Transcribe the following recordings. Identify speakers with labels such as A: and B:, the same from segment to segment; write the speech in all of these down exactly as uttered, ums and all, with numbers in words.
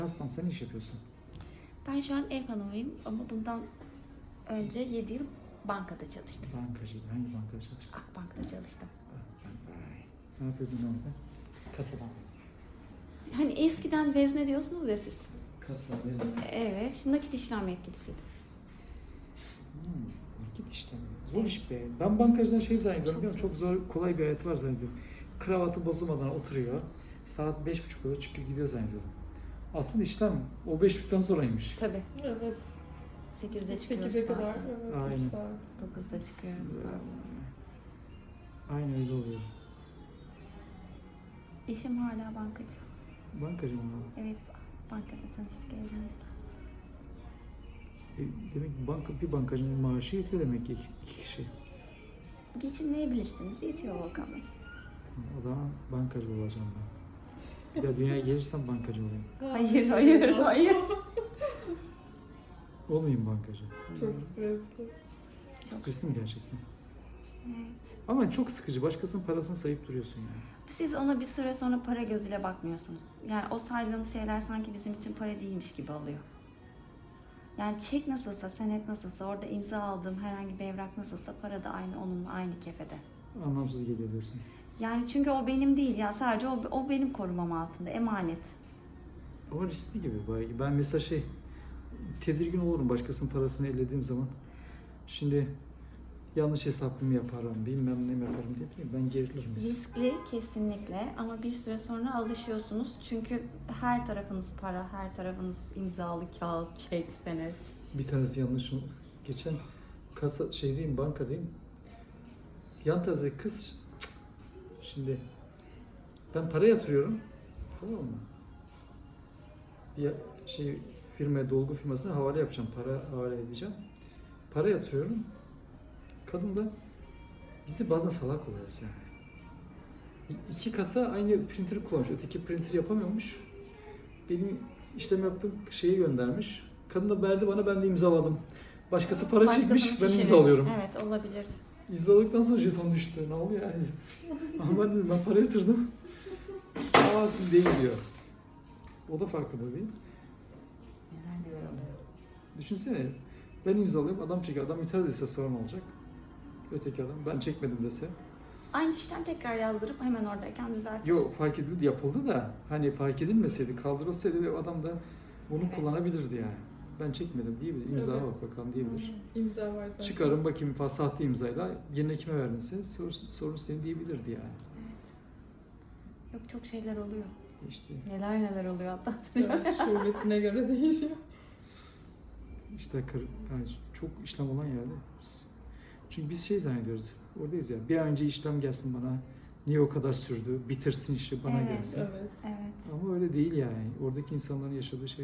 A: Aslan sen ne iş yapıyorsun?
B: Ben şu an ev hanımıyım ama bundan önce yedi yıl bankada çalıştım.
A: Bankacı. Hangi bankada çalıştın?
B: Akbank'ta çalıştım.
A: Vay. Ne yapıyordun orada? Kasada.
B: Hani eskiden vezne diyorsunuz ya siz.
A: Kasa, vezne.
B: Evet, şimdi nakit işlem yetkilisiydim.
A: Hmm, nakit işlemi. Zor iş be. Ben bankacıdan şey zannediyorum. Çok, çok zor, kolay bir hayat var zannediyorum. Kravatı bozulmadan oturuyor. Saat beş buçuk oluyor, çıkıp gidiyor zannediyorum. Aslında işlem o beş buçuktan sonraymış.
B: Tabii.
C: Evet.
B: sekizde çıkıyoruz
C: sekize kadar.
B: bazen.
C: Evet.
A: Aynen.
C: üç saat.
B: dokuzda çıkıyoruz bazen.
A: Aynen öyle oluyor.
B: Eşim hala bankacı.
A: Bankacı mı?
B: Evet, bankada tanıştık, evlendik.
A: E, demek ki banka, bir bankacının maaşı yetiyor demek ki iki, iki kişi.
B: Geçinmeyebilirsiniz, yetiyor Volkan Bey.
A: Tamam, o zaman bankacı olacağım ben. Bir de dünyaya gelirsem bankacı olayım.
B: Hayır, hayır, hayır.
A: Olmayayım bankacı.
C: Çok stresli.
B: Çok.
A: Stresli mi gerçekten?
B: Evet.
A: Ama çok sıkıcı. Başkasının parasını sayıp duruyorsun yani.
B: Siz ona bir süre sonra para gözüyle bakmıyorsunuz. Yani o saydığınız şeyler sanki bizim için para değilmiş gibi oluyor. Yani çek nasılsa, senet nasılsa, orada imza aldığım herhangi bir evrak nasılsa para da aynı onunla aynı kefede.
A: Anlamsız geliyor diyorsun.
B: Yani çünkü o benim değil ya, sadece o, o benim korumam altında, emanet.
A: Ama riskli gibi. bayağı. Ben mesela şey, tedirgin olurum başkasının parasını ellediğim zaman. Şimdi yanlış hesaplımı yaparım, bilmem ne yaparım diye ben gerilirim mesela.
B: Riskli kesinlikle ama bir süre sonra alışıyorsunuz. Çünkü her tarafınız para, her tarafınız imzalı kağıt, çek, senet.
A: Bir tanesi yanlış. Geçen kasa şeydeyim, bankadayım. Yan taraftaki kız, şimdi ben para yatırıyorum, tamam mı? Bir şey firma, dolgu firmasına havale yapacağım, para havale edeceğim. Para yatırıyorum. Kadın da bizi bazen salak oluyoruz yani. İki kasa aynı printer'ı kullanmış, öteki printer yapamıyormuş. Benim işlem yaptığım şeyi göndermiş. Kadın da verdi bana, ben de imzaladım. Başkası para
B: Başkasının
A: çekmiş, ben
B: fişini.
A: imzalıyorum.
B: Evet, olabilir.
A: İmzaladıktan sonra jeton düştü. Ne oluyor yani? Ama ben dedim, ben para yatırdım. Aa siz değil diyor. O da farkında değil.
B: Neler neler oluyor.
A: Düşünsene, ben imzalıyorum, adam çekiyor. Adam ithal dese sorun olacak. Öteki adam, ben çekmedim dese.
B: Aynı fişten tekrar yazdırıp hemen oradayken düzeltir.
A: Yok, fark edildi, yapıldı da hani fark edilmeseydi, kaldırılsaydı o adam da bunu
B: Evet.
A: kullanabilirdi yani. Ben çekmedim diyebilir. İmza
C: Evet.
A: bak bakalım diyebilir.
C: İmza var zaten.
A: Çıkarım bakayım falan, sahte imzayla yerine kime verdinse sorun, sorun senin diyebilirdi yani.
B: Evet. Yok, çok şeyler oluyor.
A: İşte
B: Neler neler oluyor hatta.
C: Evet, şubesine göre değişiyor.
A: işte kır, yani çok işlem olan yerde. Biz- Çünkü biz şey zannediyoruz. Oradayız ya. Bir an önce işlem gelsin bana. Niye o kadar sürdü? Bitirsin işi bana
B: Evet.
A: gelsin.
C: Evet.
B: Evet.
A: Ama öyle değil yani. Oradaki insanların yaşadığı şey.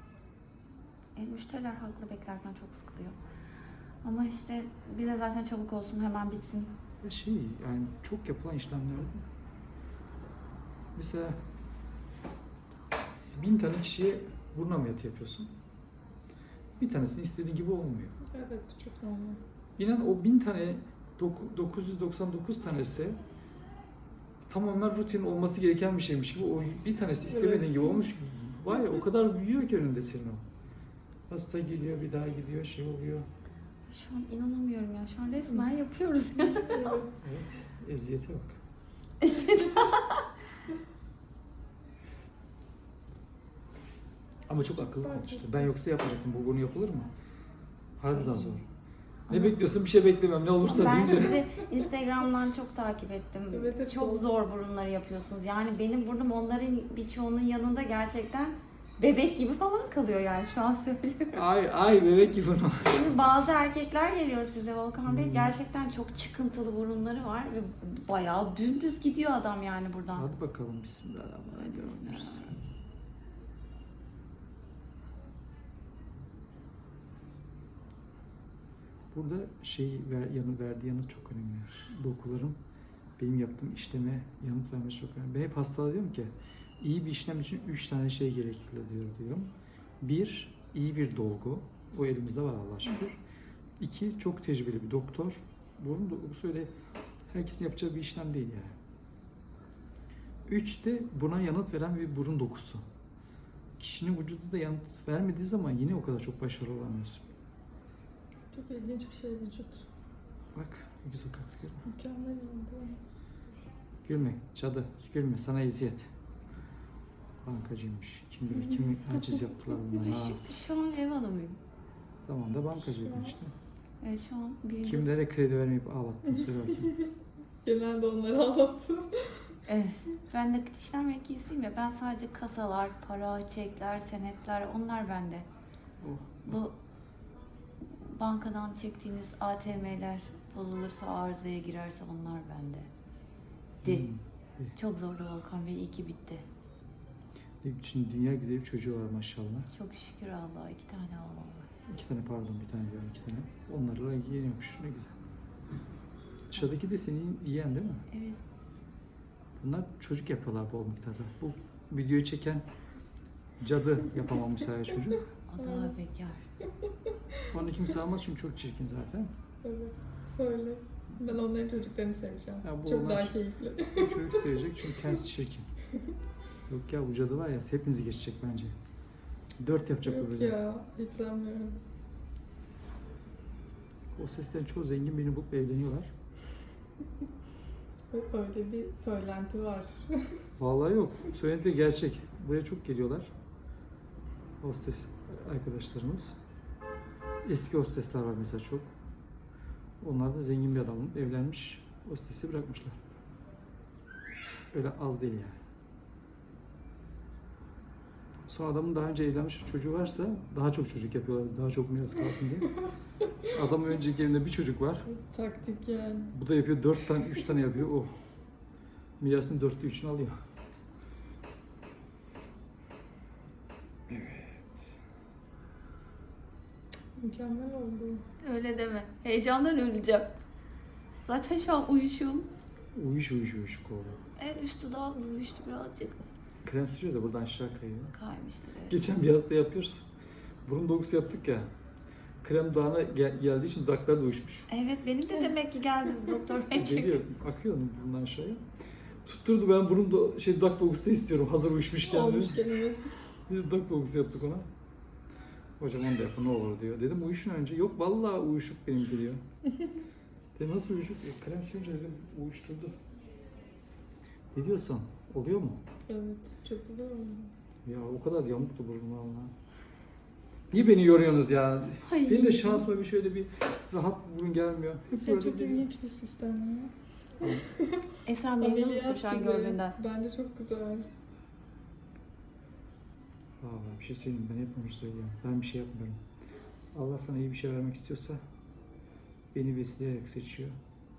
B: E, müşteriler haklı, beklerken çok sıkılıyor. Ama işte bize zaten çabuk olsun, hemen bitsin.
A: Ve şey yani çok yapılan işlemlerde mesela bin tane kişiye burun ameliyatı yapıyorsun. Bir tanesini istediğin gibi olmuyor.
C: Evet, çok normal.
A: İnan o bin tane doku- dokuz yüz doksan dokuz tanesi tamamen rutin olması gereken bir şeymiş gibi, o bir tanesi istemediğin
C: Evet.
A: gibi olmuş. Vay ya, o kadar büyüyor ki önünde senin o. Hasta geliyor, bir daha gidiyor, şey oluyor.
B: Şu an inanamıyorum ya. Şu an resmen yapıyoruz ya.
C: Evet.
A: Evet, eziyete bak. Ama çok akıllı konuştu. Ben yoksa yapacaktım. Bu bunu yapılır mı? Harbiden zor. Ne
B: Ama-
A: bekliyorsun? Bir şey beklemiyorum. Ne olursa
B: Ben
A: deyince.
B: sizi Instagram'dan çok takip ettim.
C: Evet, evet,
B: çok
C: doğru.
B: zor burunları yapıyorsunuz. Yani benim burnum onların birçoğunun yanında gerçekten bebek gibi falan kalıyor yani, şu an söylüyorum.
A: Ay ay bebek gibi onu.
B: Şimdi bazı erkekler geliyor size Volkan Bey.
A: Hmm.
B: Gerçekten çok çıkıntılı burunları var ve bayağı dümdüz gidiyor adam yani buradan.
A: Hadi bakalım. Bismillahirrahmanirrahim. Burada şey ver, yanı verdiği yanıt çok önemli. Dokuların benim yaptığım işleme yanıt vermesi çok önemli. Ben hep hastalara diyorum ki iyi bir işlem için üç tane şey gerekli diyor diyorum. Bir, iyi bir dolgu. O elimizde var Allah'a şükür. İki, çok tecrübeli bir doktor. Burun dolgusu öyle herkesin yapacağı bir işlem değil yani. Üç de buna yanıt veren bir burun dokusu. kişinin vücudu da yanıt vermediği zaman yine o kadar çok başarılı olamıyorsun.
C: Çok ilginç bir şey vücut.
A: Bak ne güzel kalktı görme.
C: Mükemmel oldu.
A: Gülme cadı, gülme sana eziyet. Bankacıymış. Kim bilir kimi haciz yaptılar buna. Ha.
B: Şu, şu an ev hanımıyım.
A: Tamam da bankacıydın işte.
B: Evet şu an birinci
A: Kimlere kredi vermeyip ağlattın söyle bakayım.
C: Genelde onları anlattım.
B: Evet. Ben de işlem mühendisiyim ya. Ben sadece kasalar, para, çekler, senetler onlar bende.
A: Oh.
B: Bu bankadan çektiğiniz A T M'ler bozulursa, arızaya girerse onlar bende. De.
A: Hmm.
B: Çok zordu Volkan Bey. İyi ki bitti.
A: Şimdi dünya güzeli bir çocuğu var maşallah.
B: Çok şükür Allah'a. iki tane oğlum var.
A: İki tane pardon bir tane diyorum iki tane. Onlarla ilgileniyormuş ne güzel. Dışarıdaki de senin yiyen değil mi?
B: Evet.
A: Bunlar çocuk yapıyorlar bol miktarda. Bu videoyu çeken cadı yapamamış sadece çocuk.
B: O daha bekar.
A: Onu kimse almaz çünkü çok çirkin zaten.
C: Evet. Öyle. Ben onların çocuklarını seveceğim.
A: Ya bu
C: Çok
A: onlar-
C: daha keyifli.
A: Bu çocuk sevecek çünkü kendisi çirkin. Yok ya bu cadı var ya hepinizi geçecek bence. Dört yapacak bu
C: Yok
A: böyle.
C: ya. Hiç sanmıyorum.
A: O seslerin çoğu zengin birini bulup evleniyorlar.
C: Öyle bir söylenti var.
A: Vallahi yok. Söylenti de gerçek. Buraya çok geliyorlar. Hostes arkadaşlarımız. Eski hostesler var mesela çok. Onlar da zengin bir adamın evlenmiş. Hostesi bırakmışlar. Öyle az değil yani. Sonra adamın daha önce evlenmiş çocuğu varsa daha çok çocuk yapıyorlar. Daha çok miras kalsın diye. Adamın önceki evinde bir çocuk var.
C: Taktik yani.
A: Bu da yapıyor. Dört tane, üç tane yapıyor. Oh. Mirasın dörtte üçünü alıyor. Evet.
C: Mükemmel oldu.
B: Öyle deme. Heyecandan öleceğim. Zaten şu an uyuşum.
A: Uyuş uyuş uyuşuk oldu.
B: En üst dudağım uyuştu birazcık.
A: Krem sürüyoruz da buradan aşağı kayıyor.
B: Kaymıştır evet.
A: Geçen bir hasta yapıyoruz. Burun dokusu yaptık ya. Krem dağına gel- geldiği için dudaklar da uyuşmuş.
B: Evet benim de demek ki geldi doktor bey çünkü.
A: Geliyor, akıyor burundan aşağıya. Tutturdu ben burun do- şey dudak dokusu da istiyorum hazır uyuşmuşken.
C: Olmuş kelime.
A: Bir de dudak dokusu yaptık ona. Hocam onu da yapın ne olur diyor. Dedim uyuşun önce. Yok vallahi uyuşuk benimki diyor. Dedim nasıl uyuşuk? E, krem sürünce dedim uyuşturdu. Ne diyorsun? Oluyor mu?
C: Evet. Çok güzel oldu.
A: Ya o kadar yamuktu burnum valla. Niye beni yoruyorsunuz ya?
B: Ay.
A: Benim de şansıma bir şöyle bir rahat burun gelmiyor. Hep
C: Ya
A: böyle
C: çok
A: bir...
C: ilginç bir sistem ya.
B: Esra memnun musun
C: Ameliyat
B: şu an
C: gibi.
B: gördüğünden?
C: Bence çok güzel.
A: Vallahi bir şey söyleyeyim ben hep onu söylüyorum. Ben bir şey yapmıyorum. Allah sana iyi bir şey vermek istiyorsa beni besleyerek seçiyor.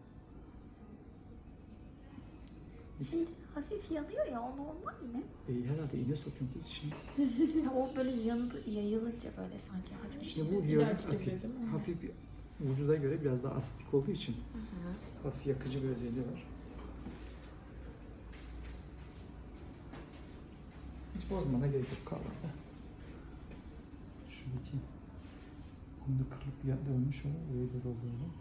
B: Şimdi hafif yanıyor ya o normal mi?
A: E, herhalde iğne sokuyorum kız şimdi.
B: Ya o böyle yanı, yayılınca böyle sanki hafif.
A: Şimdi bu
C: İlaç
A: hyaluronik
C: gibi
A: asit.
C: değil mi?
A: Hafif bir vücuda göre biraz daha asitik olduğu için
B: Hı hı.
A: hafif yakıcı bir özelliği var. Hiç bozmana gerek yok kahvaltıda. Şuradaki kumda kırılıp bir yerde ölmüş o. Oraya da dolduralım.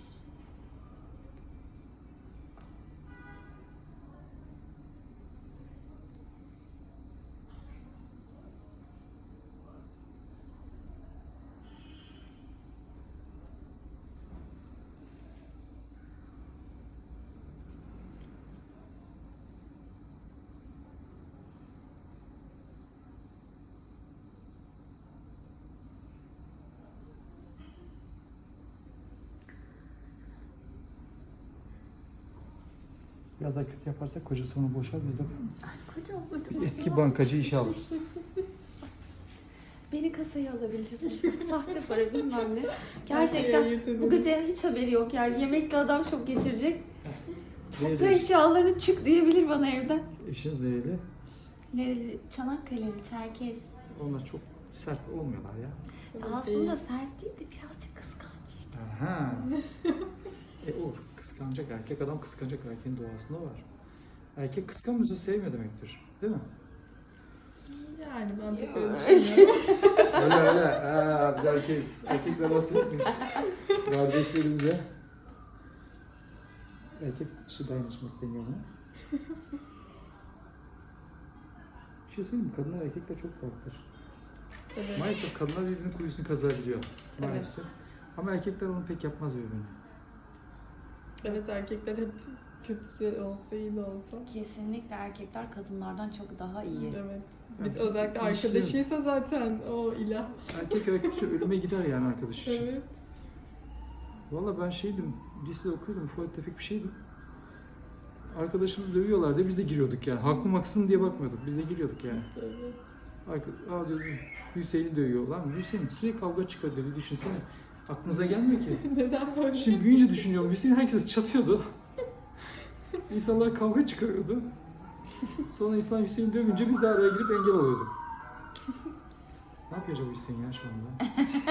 A: Biraz daha kötü yaparsak kocası onu boşar biz de
B: Ay kocam kocam.
A: bir eski bankacı işe alırız.
B: Beni kasaya alabilirsiniz. Sahte para bilmem ne.
C: Her şeyi
B: Gerçekten
C: ayırt
B: bu
C: ederiz.
B: gece hiç haberi yok yani. Yemekli adam şok geçirecek. Bu
A: Nerede?
B: eşyalarını çık diyebilir bana evden.
A: Eşiniz nereli?
B: Nereli? Çanakkale'li, Çerkez.
A: Onlar çok sert olmuyorlar ya.
C: Evet,
B: Aslında
C: değil.
B: sert değil de birazcık kıskanç işte.
A: Aha. e olur. Kıskanacak erkek adam kıskanacak erkeğin doğasında var. Erkek kıskanmıyorsa sevmiyor demektir. Değil mi?
C: Yani ben de öyle düşünüyorum.
A: Öyle öyle. Ha, biz erkeğiz. Erkekler nasıl yapıyoruz? Kardeşlerimize. Erkek dışı dayanışması deniyor buna. Bir şey söyleyeyim mi? Kadınlar erkekler çok farklıdır.
C: Evet.
A: Maalesef kadınlar birbirinin kuyusunu kazabiliyor. Maalesef. Ama erkekler onu pek yapmaz birbirine.
C: Evet, erkekler hep kötü de olsa iyi de olsa.
B: Kesinlikle erkekler kadınlardan çok daha iyi.
C: Evet.
A: Yani
C: Bir, özellikle
A: ilişkiler-
C: arkadaşıysa zaten o ilah.
A: Erkek erkekçe ölüme gider yani arkadaş için.
C: Evet.
A: Valla ben şeydim, lisede okuyordum, ufak tefek bir şeydim. Arkadaşımız dövüyorlardı, biz de giriyorduk yani. Haklı mı haksız mı diye bakmıyorduk, biz de giriyorduk yani.
C: Evet.
A: Arka, aa diyordu, Hüseyin'i dövüyor. Lan Hüseyin sürekli kavga çıkıyor dedi, düşünsene. Aklınıza gelmiyor ki.
C: Neden böyle?
A: Şimdi büyüyünce düşünüyorum, Hüseyin herkes çatıyordu. İnsanlar kavga çıkarıyordu. Sonra İslam Hüseyin'i dövünce biz de araya girip engel oluyorduk. Ne yapıyor acaba Hüseyin ya şu anda?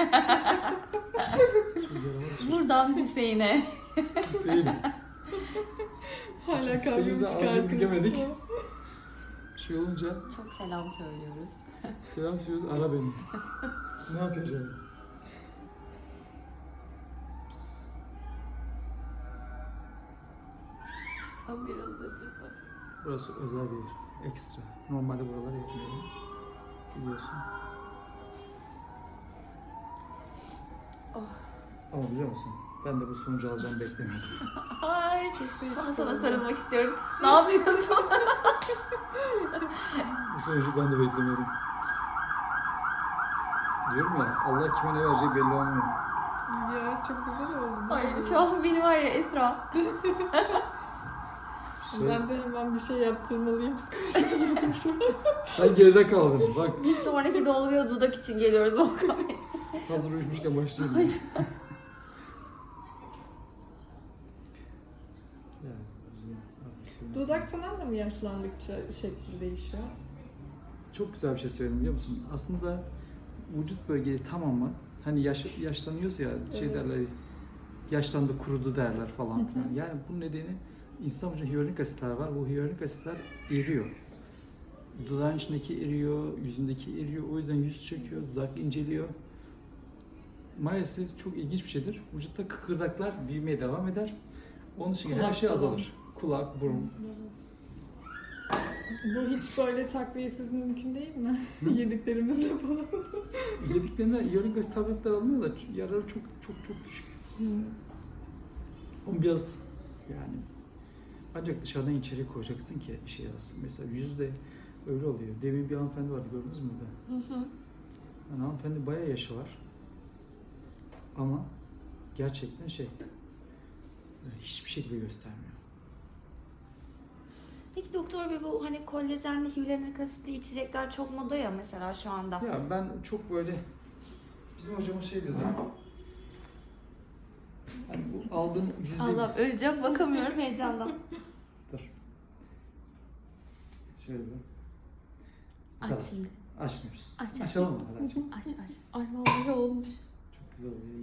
A: Çok yaramaz bir şey.
B: Buradan Hüseyin'e.
A: Hüseyin.
C: Hala
A: Çünkü
C: kavga
A: senin yüzünden ağzını
C: çıkartınız.
A: bükemedik. Şey olunca
B: Çok selam söylüyoruz.
A: selam söylüyoruz, ara beni. Ne yapıyor acaba?
B: Ama biraz acıdı.
A: Burası özel bir yer, ekstra. Normalde buraları yapmıyorum. Biliyorsun.
B: Oh.
A: Ama biliyor musun? Ben de bu sonucu alacağımı beklemiyordum.
B: Ay, şu an sana sarılmak istiyorum. Ne yapıyorsun?
A: Bu sonucu ben de beklemiyordum. Diyorum ya, Allah kime ne vereceği belli olmuyor.
C: Ya çok güzel oldu.
B: Ay, şu an beni var ya Esra.
A: Şey,
C: Ben de hemen bir şey yaptırmalıyım. Psikolojisine girdim şu an.
A: sen geride kaldın. Bak,
B: Bir sonraki dolguya dudak için geliyoruz Volkan Bey.
A: hazır uyuşmuşken başlayalım. Yani, bizim arkadaşım-
C: Dudak falan da mı yaşlandıkça şekli değişiyor?
A: Çok güzel bir şey söyledim biliyor musun? Aslında vücut bölgeleri tamamı hani yaş, yaşlanıyoruz ya şey
C: Evet.
A: derler yaşlandı kurudu derler falan filan. Yani bunun nedeni insan vücudunda hyaluronik asitler var. Bu hyaluronik asitler eriyor. Dudağın içindeki eriyor, yüzündeki eriyor. O yüzden yüz çöküyor, dudak inceliyor. Maalesef çok ilginç bir şeydir. Vücutta kıkırdaklar büyümeye devam eder. Onun için her
C: Kulak
A: şey
C: falan.
A: azalır. Kulak, burun.
C: Bu hiç böyle takviyesiz mümkün değil mi? Yediklerimizle falan.
A: Yediklerinde hyaluronik asit tabletler alınıyor da yararı çok çok çok düşük. Onu biraz yani ancak dışarıdan içeri koyacaksın ki işe yarasın. Mesela yüzde öyle oluyor. Demin bir hanımefendi vardı gördünüz mü burada?
B: Hı hı.
A: Yani hanımefendi bayağı yaşı var. Ama gerçekten şey hiçbir şekilde göstermiyor.
B: Peki doktor bey, bu hani kolajenli hyaluronik asitli içecekler çok moda ya mesela şu anda.
A: Ya ben çok böyle bizim hocamız şey diyordu. Hani bu aldığın yüzde
B: Allah, öleceğim, bakamıyorum heyecandan.
A: Dur. Şöyle bir. Bu
B: Aç
A: kadar.
B: şimdi.
A: Açmıyoruz.
B: Aç, aç.
A: Açalım mı? Hadi açalım.
B: Aç aç. Ay vallahi olmuş.
A: Çok güzel oluyor.